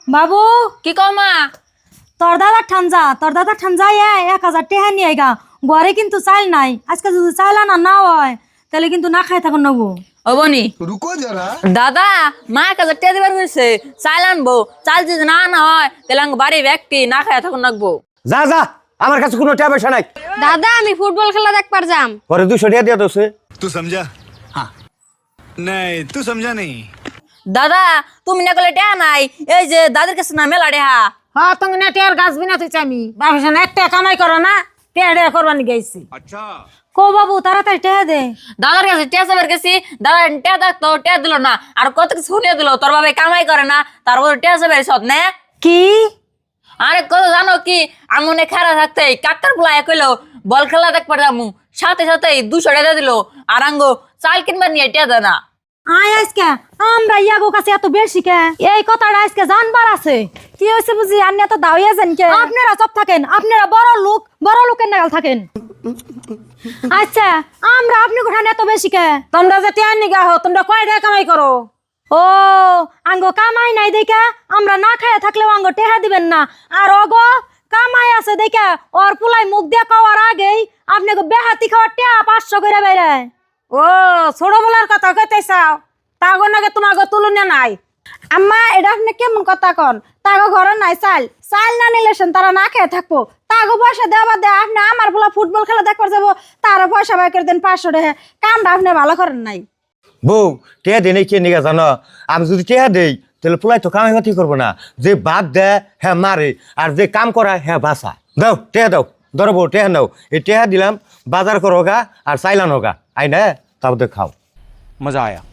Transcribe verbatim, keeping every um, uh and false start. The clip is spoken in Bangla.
বাবু কি কও মা? তোর দাদা ঠানজা তোর দাদা ঠানজাই এক হাজার টেহা নিয়ে গা ঘরে কিন্তু চাল নাই আজকে যদি চাল আনা না হয় তাহলে কিন্তু না খাই থাকুন নেবো। ও বনি रुको जरा দাদা মা কাছে টেয়া দিবার কইছে চাল আনবো, চাল যদি না আনা হয় তাহলে আঙ্গ বাড়ি ব্যক্তি না খায় থাকুন রাখবো। যা যা আমার কাছে কোনো টাকা পয়সা নাই। দাদা আমি ফুটবল খেলা দেখবার যাম। পরে দুশো টাকা দিয়ে দোষে। तू समझा हाँ नहीं तू समझा नहीं দাদা তুমি না করলে টেয়া নাই, এই যে দাদির কাছে না মেলা টেহা। হ্যাঁ তুমি না টেয়ার গাছ বিনা তুই চামি বাবা একটা কামাই করো না টেয়া টেয়া করবানি গেছি। अच्छा কো বাবু তাড়াতাড়ি টেহা দে। দাদার কাছে টেয়া চাবার গেছি, দাদা টেয়া থাকতো টেয়া দিল না, আর কত কিছু শুনিয়ে দিল তোর বাবা কামাই করে না তারপর টেয়া চাবার সৎ নে কি আরে কত জানো কি আমনে খেলা থাকতে কাকার বুলায় কইলো বল খেলা দেখবার যামু, সাথে সাথে দুশো টাকা দিল আর আঙ্গো চাল কিনবার নিয়ে টেয়া দেয় না। আয় আজকে আমরা ইয়াগো কাছে এত বেশি কে এই কথাটা আজকে জানবার আছে। কি হয়েছে বুঝি আপনি এত দাওয়া যান কে? আপনারা সব থাকেন, আপনারা বড় লোক বড় লোকের নাগাল থাকেন। আচ্ছা আমরা আপনি কোঠানে এত বেশি কে? তোমরা যে টেয়ার নিগা হো তোমরা কয় টাকা কামাই করো? ও আঙ্গো কামাই নাই দেখে আমরা না খাইয়া থাকলেও আঙ্গো টেহা দিবেন না, আর অগো কামাই আছে দেখে ওর পুলাই মুখ দিয়ে খাওয়ার আগেই আপনাকে বেহাতি খাওয়ার টেহা পাঁচশো করে বেড়ে। ও ছোট বলার কথা কইতে চাও তাগো নাকি তোমাকে তুলনা নাই? আম্মা এটা আপনি কেমন কথা কন? তাগো ঘরে নাই চাল, চাল না নিলে সেন তারা না খেয়ে থাকবো। তাগো পয়সা দেওয়া দে আপনি আমার বলা ফুটবল খেলা দেখবার যাবো তারা পয়সা বাই করে দেন পাঁচশো টাকা, কামটা আপনি ভালো করেন নাই। বউ টেয়া দেয় নাই কে নিগা জানো? আমি যদি টেয়া দেই তাহলে পোলাই তো কামাই বাতি করবো না। যে বাদ দেয় হ্যাঁ মারে আর যে কাম করা হ্যাঁ বাসা। দাও টেয়া দাও, ধরো বউ টেয়া নাও। এই টেয়া দিলাম বাজার করো গা আর চাইলান হোগা আই না তারপর খাও। मजा आया।